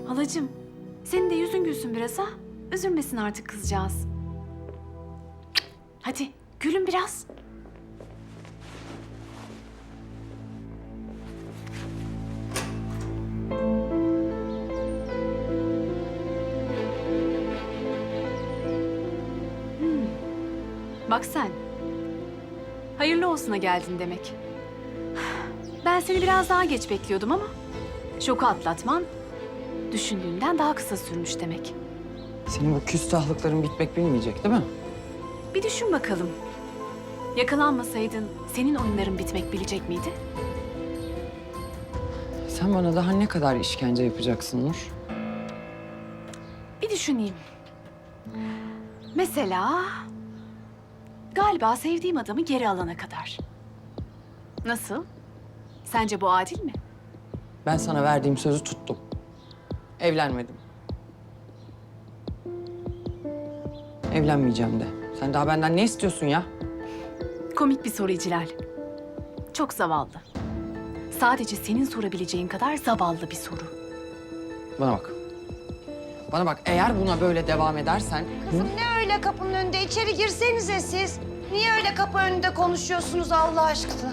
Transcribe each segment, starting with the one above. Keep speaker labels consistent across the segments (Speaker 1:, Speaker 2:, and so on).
Speaker 1: Halacığım, senin de yüzün gülsün biraz ha. Üzülmesin artık kızcağız. Hadi gülün biraz. Bak sen. Hayırlı olsuna geldin demek. Ben seni biraz daha geç bekliyordum ama şoku atlatman düşündüğünden daha kısa sürmüş demek.
Speaker 2: Senin bu küstahlıkların bitmek bilmeyecek değil mi?
Speaker 1: Bir düşün bakalım. Yakalanmasaydın senin oyunların bitmek bilecek miydi?
Speaker 2: Sen bana daha ne kadar işkence yapacaksın Nur?
Speaker 1: Bir düşüneyim. Mesela galiba sevdiğim adamı geri alana kadar. Nasıl? Sence bu adil mi?
Speaker 2: Ben sana verdiğim sözü tuttum. Evlenmedim. Evlenmeyeceğim de. Sen daha benden ne istiyorsun ya?
Speaker 1: Komik bir soru İclal. Çok zavallı. Sadece senin sorabileceğin kadar zavallı bir soru.
Speaker 2: Bana bak. Bana bak, eğer buna böyle devam edersen...
Speaker 3: Kızım ne öyle kapının önünde? İçeri girsenize siz. Niye öyle kapı önünde konuşuyorsunuz Allah aşkına?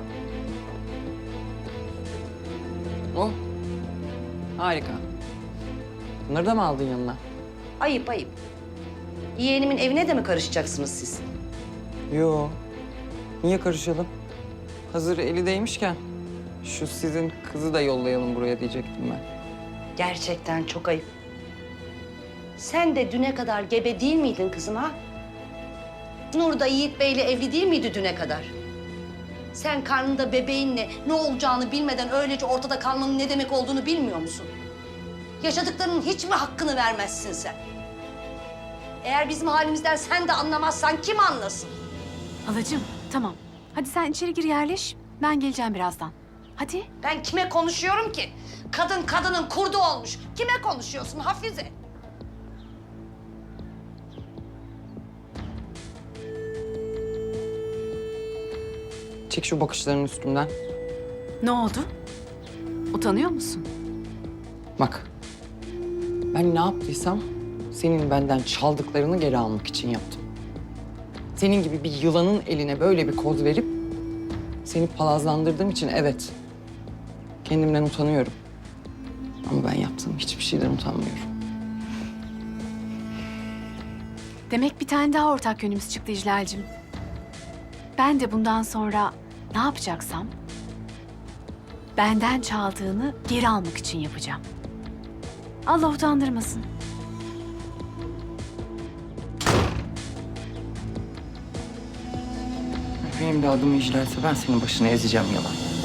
Speaker 2: Oh. Harika. Bunları da mı aldın yanına?
Speaker 3: Ayıp ayıp. Yeğenimin evine de mi karışacaksınız siz?
Speaker 2: Yo. Niye karışalım? Hazır eli değmişken şu sizin kızı da yollayalım buraya diyecektim ben.
Speaker 3: Gerçekten çok ayıp. Sen de düne kadar gebe değil miydin kızım ha? Nur da Yiğit Bey'le evli değil miydi düne kadar? Sen karnında bebeğinle ne olacağını bilmeden öylece ortada kalmanın ne demek olduğunu bilmiyor musun? Yaşadıklarının hiç mi hakkını vermezsin sen? Eğer bizim halimizden sen de anlamazsan kim anlasın?
Speaker 1: Halacığım, tamam. Hadi sen içeri gir yerleş. Ben geleceğim birazdan. Hadi.
Speaker 3: Ben kime konuşuyorum ki? Kadın kadının kurdu olmuş. Kime konuşuyorsun Hafize?
Speaker 2: Çek şu bakışlarının üstünden.
Speaker 1: Ne oldu? Utanıyor musun?
Speaker 2: Bak. Ben ne yaptıysam senin benden çaldıklarını geri almak için yaptım. Senin gibi bir yılanın eline böyle bir koz verip seni palazlandırdığım için evet, kendimden utanıyorum. Ama ben yaptığım hiçbir şeyden utanmıyorum.
Speaker 1: Demek bir tane daha ortak yönümüz çıktı İclal'cim. Ben de bundan sonra ne yapacaksam benden çaldığını geri almak için yapacağım. Allah utandırmasın.
Speaker 2: Benim de adım İclal'se ben senin başını ezeceğim yalan.